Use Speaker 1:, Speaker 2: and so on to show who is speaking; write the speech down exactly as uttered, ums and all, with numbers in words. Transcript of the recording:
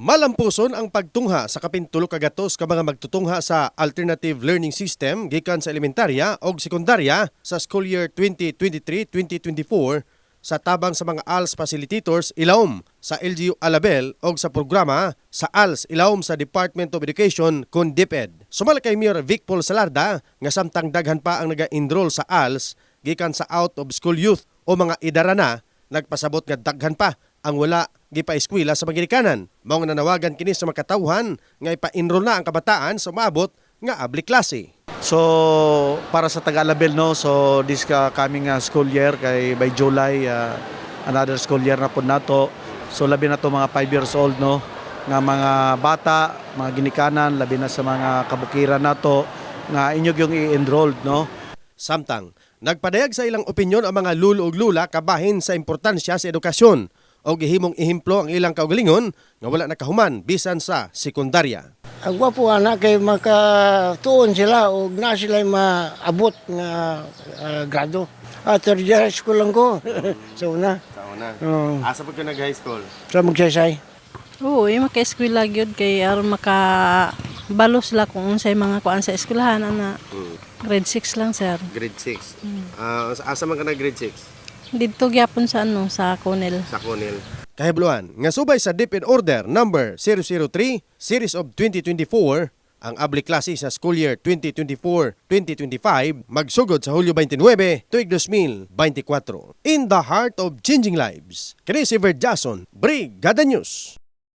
Speaker 1: Malampuson ang pagtungha sa kapintulo kagatos ka mga magtutungha sa alternative learning system gikan sa elementarya o sekundarya sa school year twenty twenty-three twenty twenty-four sa tabang sa mga A L S facilitators ilawom sa L G U Alabel o sa programa sa A L S ilawom sa Department of Education kun DepEd. Sumala kay Mayor Vic Paul Salarda nga samtang daghan pa ang naga-enroll sa A L S gikan sa out of school youth o mga idara na, nagpasabot nga daghan pa ang wala gipa-eskwela sa Magirikanan. Mao nga nanawagan kini sa makatawhan nga ipa-enroll na ang kabataan sa maabot nga abli klase.
Speaker 2: So para sa Taga-Alabel, no, so this ka coming uh, school year kay by July uh, another school year na po nato. So labi na to mga five years old, no, nga mga bata, mga ginikanan, labi na sa mga kabukiran nato nga inyo yung i-enrolled, no.
Speaker 1: Samtang nagpadayag sa ilang opinyon ang mga lulo ug lula kabahin sa importansya sa edukasyon o gihimong ihimplo ang ilang kaugalingon nga wala nakahuman bisan sa sekundarya.
Speaker 3: Ang gwapo anak kay makatuon sila o na sila maabot nga uh, grado. Ah, third year high school lang ko. Sa una.
Speaker 1: Sa una.
Speaker 3: Oo.
Speaker 1: Asa po ka nag-high school?
Speaker 3: Sa magsaysay.
Speaker 4: Oo, eh, maka-eskwela gyud kay aron maka balos sila kung unsay mga kuan sa eskwelahan ana.
Speaker 1: Hmm.
Speaker 4: Grade six lang sir.
Speaker 1: Grade six. Ah, asa man ka na grade six?
Speaker 4: Dito gyapon sa ano sa Conel.
Speaker 1: Sa Conil. Kahibluan, nga subay sa DepEd Order number zero zero three Series of twenty twenty-four, ang abli klase sa school year twenty twenty-four twenty twenty-five magsugod sa Hulyo twenty-nine tuig two thousand twenty-four. In the heart of changing lives, kini si Verd Jason, Brigada News.